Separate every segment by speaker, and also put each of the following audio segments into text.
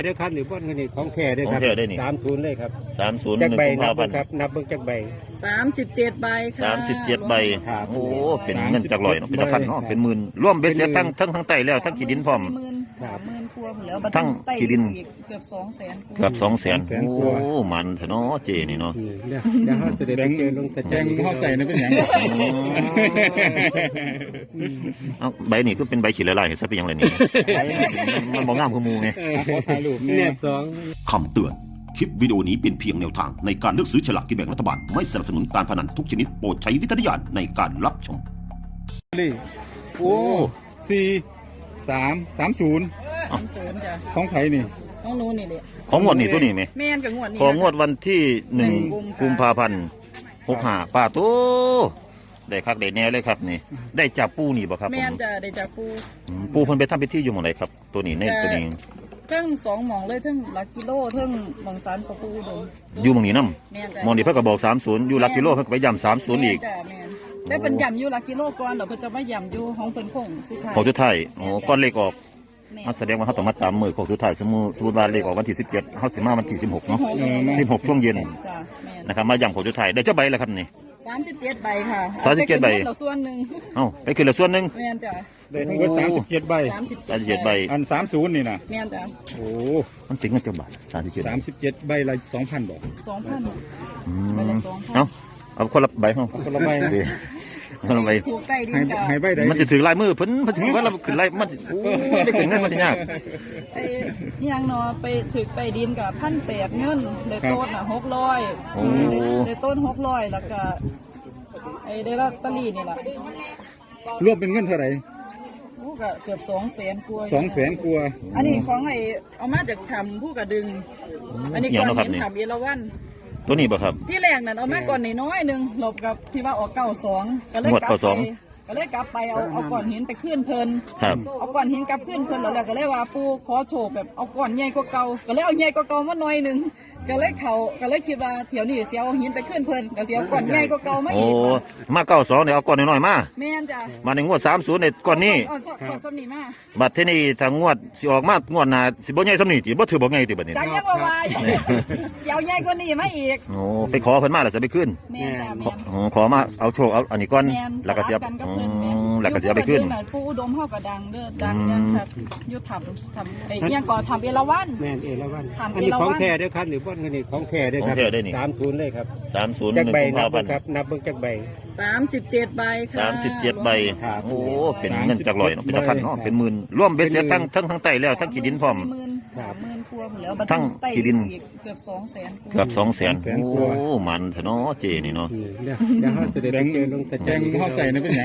Speaker 1: เด้อครับหรือว่าเงินของแท้เด้อครับ30เลยครับ
Speaker 2: 30
Speaker 1: จักใบนับ
Speaker 2: 1
Speaker 1: ครับนับเบิ่งจักใบ
Speaker 3: 37 ใบค่ะ
Speaker 2: 37ใบโอ้เป็นเงินจากลอยเนาะเป็นพันเนาะเป็นหมื่นร่วมเบ็ดเสร็จทั้งไตแล้วทั้งขี้ดินพร้อม
Speaker 3: 30,000 กว่าแล้ว
Speaker 2: ทั้งขี้ดิน
Speaker 3: เกือบ 200,000
Speaker 2: เกือบ200,000โอ้มันเถอะเนาะเจนี่เนาะ
Speaker 1: เดี๋ยวเฮาจะได้ไปเจอลงตะแจง
Speaker 4: เฮาใส่นั่นเป็นหยัง
Speaker 2: เอาใบนี่คือเป็นใบขี้ละลายซะเป็นหยังไงนี่มันบ่งามคือหมู่ไง
Speaker 4: ขอถ่ายรูป
Speaker 1: แนบ
Speaker 5: คำเตือนคลิปวิดีโอนี้เป็นเพียงแนวทางในการเลือกซื้อฉลากกินแบ่งรัฐบาลไม่สนับสนุนการพนันทุกชนิดโปรดใช้วิจารณญาณในการรับชม
Speaker 4: โอ้4330
Speaker 3: จ้ะ
Speaker 4: ของไผนี่
Speaker 3: ของหนูนี่แหละ
Speaker 2: ของงวดนี่ตัวนี้มั้ย
Speaker 3: แม่นกับงวดนี้
Speaker 2: ของงวดวันที่1กุมภาพันธ์65ป้าโตได้คักได้แน่เลยครับนี่ได้จับปูนี่บ่ครับ
Speaker 3: แม่นจะได้จับปู
Speaker 2: เพิ่นไปทำพิธีอยู่หม้องไหนครับตัวนี้ในตัวนี้
Speaker 3: เทั้ง2หม่องเลยเทั้งหลักกิโลเทั้งหม่องสารปูอุดม
Speaker 2: อยู่หม้องนี้นำหม้องนี้เพิ่นก็บอก30อยู่หลักกิโลเพิ่นก็ไปย้ำ30อีก
Speaker 3: ได้เป็นย่ำอยู่หลักกิโลก่อนแล้วเพิ่นจะมาย่ำอยู่ของเพิ่นคงสุดท้าย
Speaker 2: ของสุดท้ายอ๋อก่อนเลขออกแสดงว่าเฮาต้องมาตามมื้อของสุดท้ายสมมุติว่าเลขออกวันที่17เฮาสิมาวันที่16เนาะ16ช่วงเย็นนะครับมาย้ำของสุดท้ายได้จักใบแล้วครับนี่
Speaker 3: 37 ใบค่ะ
Speaker 2: 37 ใบ
Speaker 3: เราส่วนนึง
Speaker 2: ไปขึ้นละส่วนนึง
Speaker 3: แม่นจ้ะ
Speaker 4: ได้ทั้งหมด37ใบ
Speaker 2: 37ใบ
Speaker 4: อัน30นี่น่ะ
Speaker 3: แม่นจ้ะ
Speaker 4: โอ้
Speaker 2: มันจริงกันจังบาท
Speaker 4: 37ใบละ 2,000 บ่
Speaker 3: 2,000ใบละ 2,000
Speaker 2: เอาคนละใบเฮา
Speaker 4: คนละใบ
Speaker 2: คนละใบ
Speaker 3: ถูกใต้ดิน
Speaker 4: ให้ใบใด
Speaker 2: มันสิถือลายมือเพิ่นสิว่าเราขึ้นลายมันโอ้ได้เก่งเงินมันสิยาก
Speaker 3: ไอ้ยังเนาะไปถึกใต้ดินกับ1,800เงินได้ต้น600ได้ต้น600แล้วก็ไอ้ได้ลอตเตอรี่นี่ล่ะ
Speaker 4: รวมเป็นเงินเท่าไหร่
Speaker 3: ก็เกือบ200,000 กว่า
Speaker 4: 200,000 กว่า
Speaker 3: อันนี้ของไอ้เอามาจากทำผู้กระดึงอันนี้ก่อนเห็นทำเอราวัณ
Speaker 2: ตัวนี้บ่ครับ
Speaker 3: ที่แรกนั่นเอามาก่อนน้อยนึงหลบกับที่ว่าออก92ก็เลยกลับไปเอาก้อนหินไปขึ้นเพลินเอาก้อนหินกลับขึ้นเพลินแล้วก็เลยว่าปูขอโชว์แบบเอาก้อนใหญ่กว่าเก่าก็เลยเอาใหญ่กว่าเก่ามาหน่อยนึงก็เลยคิดว่าเที่ยวนี้เสียเอาหินไปขึ้นเพลินก็เสียก้อนใหญ่กว่าเก่ามาอีก
Speaker 2: มา92เนี่ยเอาก้อนน้อยๆมา
Speaker 3: แม่นจ้ะ
Speaker 2: มาในงวด30ในก้อนนี้
Speaker 3: ก้อนซ้ำนี้มา
Speaker 2: บัดทีนี้ถ้างวดสิออกมางวดหน้าสิบ่ใหญ่ซ้ำนี้ติบ่ถือบ่ใหญ่ติบัดนี้
Speaker 3: จังยังว่าว่าเดี๋ยวใหญ่กว่านี้มาอีก
Speaker 2: ไปขอเพิ่นมาแล้วสิไปขึ้น
Speaker 3: แม่นจ้ะแม่
Speaker 2: นขอมาเอาโชคเอาอันนี้ก่อนแล้วก็เสียแล้วก็เสียไปขึ้น
Speaker 3: ปูอุดมเฮาก็ดังเด้อดังครับยุทธทำไอ้ยังก่อทำเอราวัณ
Speaker 1: แม่นเอราวัณอันนี้ของแท้เด้อครับหรือว่าเงินของแท้เด้อครับ30เลยครับ
Speaker 2: 30
Speaker 1: จักใบนับครับนับเบิ่งจักใบ
Speaker 3: 37 ใบค่ะ
Speaker 2: 37ใบโอ้เป็นเงินจากลอยเนาะเป็นพันเนาะเป็นหมื่นร่วมเบ็ดเสร็จทั้งไตแล้วทั้งขี้ดินพร้อม
Speaker 3: 40,000 กว่าแล้ว
Speaker 2: ทั้งขี้ดิน
Speaker 3: เกือบ 200,000
Speaker 2: เกือบ 200,000โอ้มันเถอะเนาะเจนี่เนาะ
Speaker 1: เดี๋ยวเฮาจะได้ไปเจอลงตะแจง
Speaker 4: เฮาใส่นั่นเป็นหยัง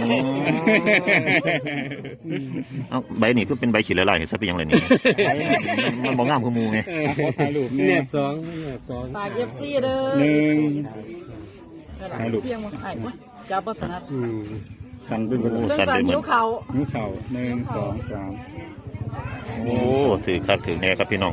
Speaker 2: เอาใบนี่คือเป็นใบขี้ละลายซะเป็นหยังไงนี่มันบ่งามคือหมู่ไง
Speaker 4: ขอถ่ายรูป
Speaker 1: แนบ
Speaker 3: ฝาก FC เด้อถ่ายรูปเพียงบ่ถ่ายจับบ่ถนัด
Speaker 4: สั่นเป็นบ่
Speaker 3: สั่นนิ้วเข่า
Speaker 4: 1 2 3
Speaker 2: โอ้ถือครับถือแน่ครับพี่น้อง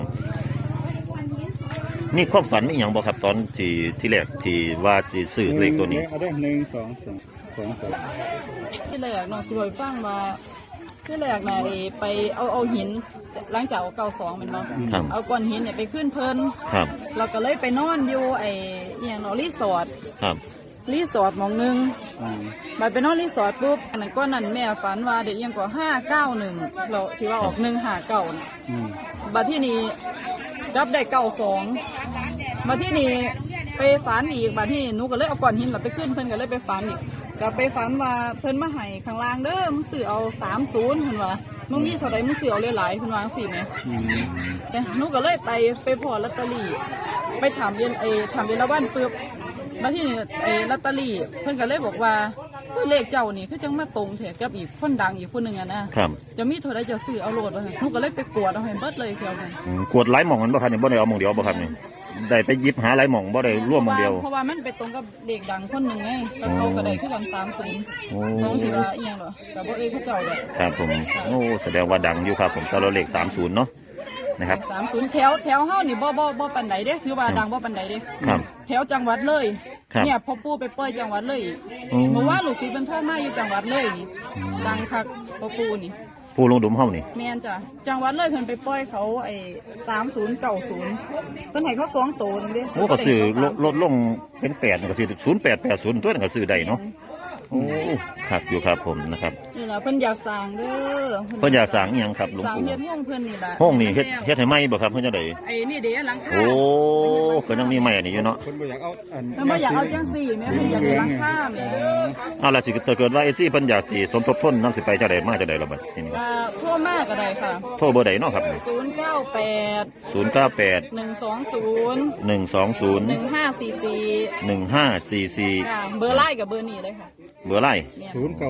Speaker 2: นี่ความฝันมีหยังบ่ครับตอนที่แรกที่ว่าสิซื้อเลขตัวนี้
Speaker 4: เอาได้1 2 3
Speaker 3: ที่แรกน้องสิบ่ฟังว่าที่แรกน่ะไปเอาหินหลังจากเอา92แม่นบ่เอาก้อนหินเนี่ยไปขึ้นเพิ่น
Speaker 2: ครับ
Speaker 3: เราก็เลยไปนอนอยู่ไอ้อีหยังเนาะรีสอร์ท
Speaker 2: ครับ
Speaker 3: รีสอร์ทหม่องนึงบัดไปนอนรีสอร์ทปุ๊บอันนั้นก้อนนั้นแม่ฝันว่าเด็กอีหยังก็591เราที่ว่าออก159น่ะบัดที่นี้รับได้92บัดที่นี้ไปฝันอีกบัดที่หนูก็เลยเอาก้อนหินแล้วไปขึ้นเพิ่นก็เลยไปฝันอีกก็ไปฝันว่าเพิ่นมาให้ข้างล่างเด้อมึงซื้อเอา30เพิ่นว่ามึงมีเท่าใดมึงซื้อเอาหลายๆเพิ่นว่าจังซี่แหมแต่หนูก็เลยไปพอลอตเตอรี่ไปถามเวลาวันปึ๊บมาที่นี่ลอตเตอรี่เพิ่นก็เลยบอกว่าเลขเจ้านี่คือจังมาตรงแท้กับอีกคนดังอีกคนนึงอ่ะนะครับจะมีเท่าใดจะซื้อเอาโลดว่าหนูก็เลยไปกวดเอาให้เบิดเลยเที่ยวนึง
Speaker 2: กวดหลายหม่องมันบ่ครับนี่บ่ได้เอาหม่องเดียวบ่ครับนี่ได้ไปหยิบหาหลายหม่องบ่ได้ร่วมหม่องเดียว
Speaker 3: เพราะว่ามันไปตรงกับเด็กดังคนนึงไงแล้วเขาก็ได้คือกัน30น้องที่ว่าอีหยังเหรอก็บ่เขาเจ้าดอก
Speaker 2: ครับผมโอ้แสดงว่าดังอยู่ครับผมสำหรับเลข30เนาะนะครับ
Speaker 3: 30แถวเฮานี่บ่ปานใดเด้คือว่าดังบ่ปานใดเด้
Speaker 2: ครับ
Speaker 3: แถวจังหวัดเลยเนี่ยพ่อปู่ไปปล่อยจังหวัดเลยเมื่อวานลูกศิษย์เพิ่นโทรมาอยู่จังหวัดเลยนี่ดังคักพ่อปู่นี่
Speaker 2: ผู้ลงดุมเฮานี่
Speaker 3: แม่นจ้ะจังหวัดเลยเพิ่นไปปล่อยเขาไอ้3090เพิ่นให้เขา2ตัวนึงเด้
Speaker 2: โอ้ก็ซื้อลดลงเป็น8นี่ก็ซื้อ0880ตัวนั่นก็ซื้อได้เนาะโอ้ครับอยู่ครับผมนะครับ
Speaker 3: นี่ล่ะเพิ่นอยากสร้างเด้อ
Speaker 2: เพิ่นอยากสร้างอีหยังครับหลวง
Speaker 3: สร้าง
Speaker 2: ปู่
Speaker 3: เฮ็ดห้องเพิ่นนี่ล่ะ
Speaker 2: ห้องนี่เฮ็ดให้ใหม่บ่ครับเพิ่นจังได๋
Speaker 3: ไอ้นี่เด้หลังคา
Speaker 2: โอ้ก็ยังมีใหม่อันนี้อยู่เนาะ
Speaker 1: คนบ่อยากเอาอัน
Speaker 3: เพิ่นบ่อยากเอาจังซี่แม่เพิ่นอยากได้หลังคาแม่
Speaker 2: เอาล่ะสิเกิดว่าไอ้ซี่เพิ่นอยากสิสมทบทุนนำสิไปจังได๋มาจังได๋ล่ะบัดทีนี้
Speaker 3: โทรมาก็ได้ค่ะ
Speaker 2: โทรเบอร์ใดเนาะครับ
Speaker 3: 098
Speaker 2: 098
Speaker 3: 120
Speaker 2: 120
Speaker 3: 1544
Speaker 2: 1544
Speaker 3: ค่ะเบอร์ไลน์กับเบอร์นี้เลยค่ะ
Speaker 2: เบอร์ไลน์
Speaker 3: เนี่ย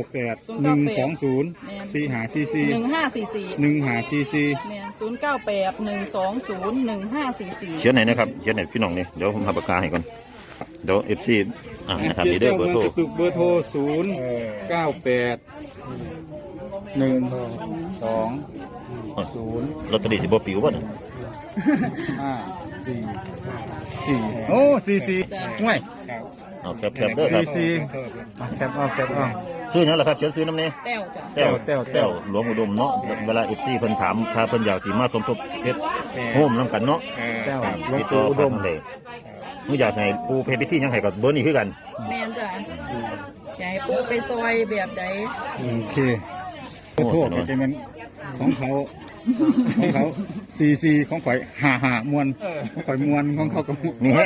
Speaker 4: 098 120 4544 1544
Speaker 3: แม่น098 120 1544
Speaker 2: เขียนไหนนะครับเขียนไหนพี่น้องนี่เดี๋ยวผมหาปากกาให้ก่อนเดี๋ยว FC นะครับนี่เด้อเบอร์โทร
Speaker 4: เบอร์โทร098 120
Speaker 2: ลอตเตอรี่สิบ่ปิวบ่น่ะ
Speaker 4: 544โอ้44ห่วย
Speaker 2: เอาแคปเด้อครับ
Speaker 4: 44แคปเอา
Speaker 2: ซื้อหยังล่ะครับเขียนซื้อน้ำนี่
Speaker 3: แต้วจ้ะ
Speaker 2: แต้วหลวงอุดมเนาะเวลา FC เพิ่นถามถ้าเพิ่นอยากสิมาสมทบเฮ็ดโฮมนํกันเนาะ
Speaker 4: แต้ว
Speaker 2: ครับ
Speaker 4: หลวง
Speaker 2: ติดต่
Speaker 4: ปู่
Speaker 2: อ
Speaker 4: อุ
Speaker 2: ผ่า
Speaker 4: ด
Speaker 2: น
Speaker 4: ม
Speaker 2: ทางใดมื้ออยากให้ปูเพชรพิธีหยังให้ก็เบอร์นี้คือกัน
Speaker 3: แม่นจ้ะอยากให้ปูไปซอยแบบใด
Speaker 4: โอเคขอโทษจะเป็นของเขา44ของข่อย55มวนของข่อยมวนของเขาก็
Speaker 2: มีแห้ง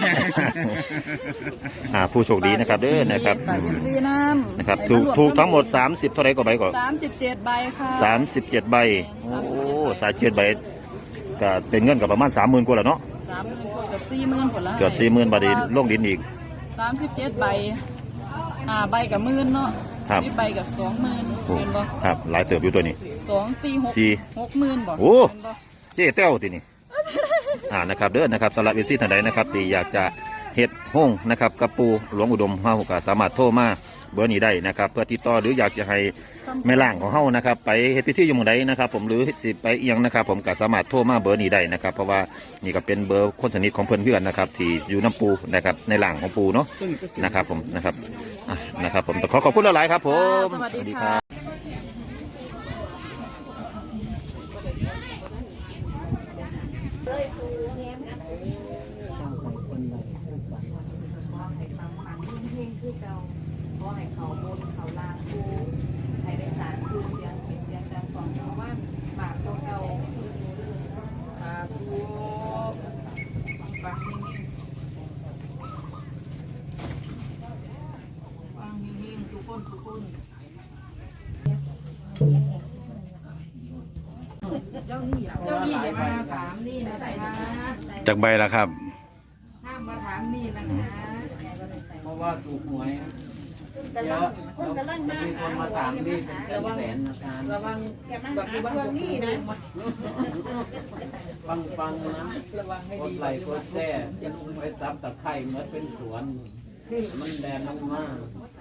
Speaker 2: ผู้โชคดีนะครับเด้อนะครับ
Speaker 3: ฝาก FC น้ำ
Speaker 2: นะครับถูกทั้งหมด30เท่าไหร่ก็ใบก็
Speaker 3: 37ใบค่ะ
Speaker 2: 37ใบโอ้37ใบก็เป็นเงินก็ประมาณ 30,000กว่าแล้วเนาะ
Speaker 3: 30,000กว่าเกือบ40,000ผลละ
Speaker 2: เกือบ 40,000บาทลงดินอีก
Speaker 3: 37ใบใบกับ10,000เนาะ
Speaker 2: ครับ
Speaker 3: 10ใบกับ20,000
Speaker 2: โอ้
Speaker 3: เป็นบ่
Speaker 2: ครับหลายเติบอยู่ตัวนี้
Speaker 3: 2 4
Speaker 2: สี่
Speaker 3: 6 60,000บ่
Speaker 2: โอ้
Speaker 3: เป็นบ่
Speaker 2: เจ๊แต้วทีนี่นะครับเด้อนะครับสำหรับเอซี่ท่านใดนะครับที่อยากจะเฮ็ดห้องนะครับกับปูหลวงอุดมเฮาก็สามารถโทรมาเบอร์นี้ได้นะครับเพื่อติดต่อหรืออยากจะให้แม่ล่างของเฮานะครับไปเฮ็ดพิธีอยู่หมู่ใดนะครับผมหรือสิไปเอียงนะครับผมก็สามารถโทรมาเบอร์นี้ได้นะครับเพราะว่านี่ก็เป็นเบอร์คนสนิทของเพื่อนเพื่อนนะครับที่อยู่น้ำปูนะครับในล่างของปูเนาะนะครับผมนะครับนะครับผมขอบคุณหลายๆครับผม
Speaker 3: สวัสดีค่ะ
Speaker 6: ขอให้เขาบนเขาลางกูให้ได้สารคือเสียงผิดเสียงดังของชาวบ้านปากเก่าๆสาธุฟังนิ่งๆฟังนิ่งๆทุกคนเจ้านี่อย่ามาถามนี่นะคะ
Speaker 7: จากใบแล้วครับ
Speaker 6: ห้ามมาถามนี่นะคะ
Speaker 8: เพราะว่าถูกหวยเยอะแล้วมีคนมาถามนี่เป็นแสนอาจารย์
Speaker 6: ระวังแบบระวังนี่นะ
Speaker 8: ปังๆนะ
Speaker 6: ระวังให้
Speaker 8: ก
Speaker 6: ดี
Speaker 8: ดไหลค์กดแช่ยันไปซับตะไคร่เหมือนเป็นสวน มันแดนมาก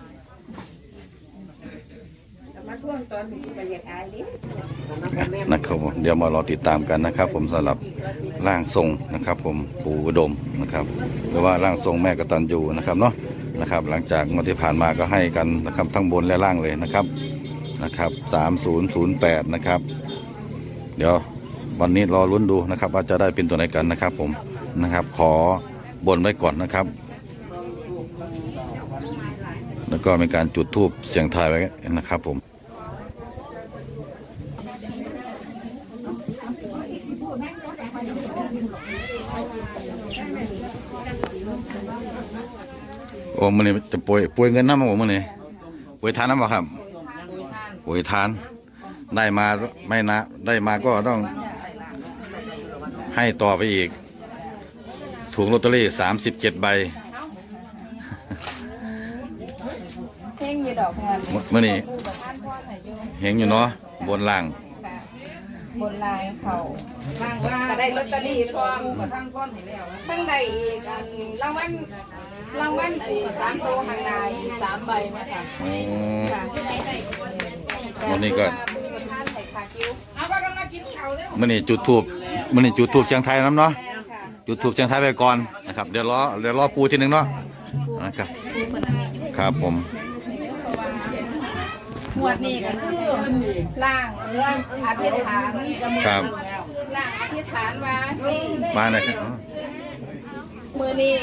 Speaker 6: มาท่วงตอนนี้ก็อยากอายดิ
Speaker 7: นะครับผมเดี๋ยวมารอติดตามกันนะครับ ผมสำหรับร่างทรงนะครับ ผมปู่อุดมนะครับ หรือว่าร่างทรงแม่กตัญญูนะครับเนาะนะครับ หลังจากงวดที่ผ่านมาก็ให้กันนะครับทั้งบนและล่างเลยนะครับ3008นะครับ เดี๋ยววันนี้รอลุ้นดูนะครับ ว่าจะได้เป็นตัวไหนกันนะครับผมนะครับ ขอบนไว้ก่อนนะครับ แล้วก็มีการจุดธูปเสียงทายไว้นะครับผมโอ้มันนี่จะป่วยเงินน้ำมาผมมันนี่ป่วยทานน้ำบ่ครับป่วยทานได้มาไม่นะได้มาก็ต้องให้ต่อไปอีก ถูกลอตเตอรี่37 ใบ
Speaker 6: เพ่งยีดอกงาน
Speaker 7: เมื่อนี้เห็นอยู่เนาะบนล่าง
Speaker 6: บนลายเขาก็ได้ลอตเตอรี่พร้อมกับทั้งก้อนให้แล้วทั้งใดอีกอันรางวัลไอ้3ตัวข้างใน3ใบไหมคะ
Speaker 7: อ๋อ
Speaker 6: ค่ะ
Speaker 7: วันนี้ก็
Speaker 6: ท่านไข่ขาคิ้วเอาไปกันมากินข้าวเร็ว
Speaker 7: มื่อนี้จุดทูบเชียงไทยน้ำเนาะจุดทูบเชียงไทยไปก่อนนะครับเดี๋ยวรอปูทีหนึงเนาะนะครับครับผม
Speaker 6: หมวดนี้ก็คือล่างอธิษฐาน
Speaker 7: ครับ
Speaker 6: ล่างอธิษฐานว่าสิ
Speaker 7: มาหน่อยครับ
Speaker 6: มือนี้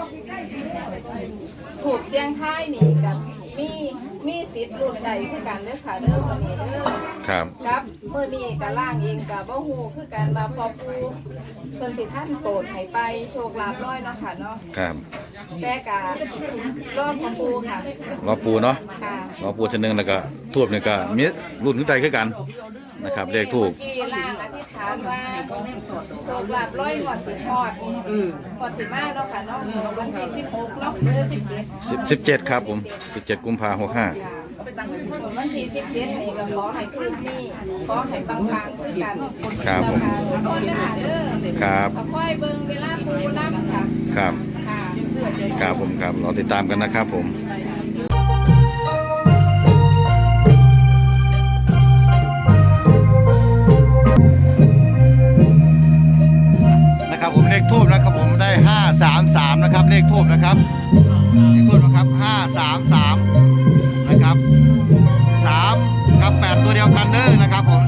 Speaker 6: ถูกเสียงท้ายนี่กับมีสิทธิ์รุ่นใดคือกันเด้อค่ะเด้อมือนี้เด้อ
Speaker 7: ครับ
Speaker 6: กับมือนี้กับล่างเองกับบ่ฮู้คือกันมาพอปูเพิ่นสิท่านโปรดให้ไปโชคลาภน้อยเนาะค่ะเนาะ
Speaker 7: ครับ
Speaker 6: แต่กะรอบของปูค่ะ
Speaker 7: รอปูเนาะ
Speaker 6: ค่ะ
Speaker 7: รอปูชนึงแล้วก็ทูบนี่ก็มีรุ่นขึ้นใจขึ้นกันนะครับเลขทูบ
Speaker 6: เมื่อกี้ล่างอธิษฐานว่าโชคลาภร้อยหอดสิฮอดหอดสิมาเนาะค่ะเนาะวันที่16เนาะหรือ17
Speaker 7: 17ครับผม17กุมภาพันธ์65
Speaker 6: ค่ะวันที่17นี่ก็ขอให้คืนนี้ขอให้ปังๆคือกัน
Speaker 7: ครับผม
Speaker 6: ทุกคนเลยค่ะเด้อ
Speaker 7: ครับ
Speaker 6: ขอค่อยเบิ่งเวลาปูน้ำค่ะ
Speaker 7: ครับ
Speaker 6: ค่ะ
Speaker 7: ครับผมครับเราติดตามกันนะครับผมนะครับผมเลขทูบนะครับผมได้533นะครับเลขทูบนะครับเลขทูบนะครับ533นะครับ3กับ8ตัวเดียวกันเด้อนะครับผม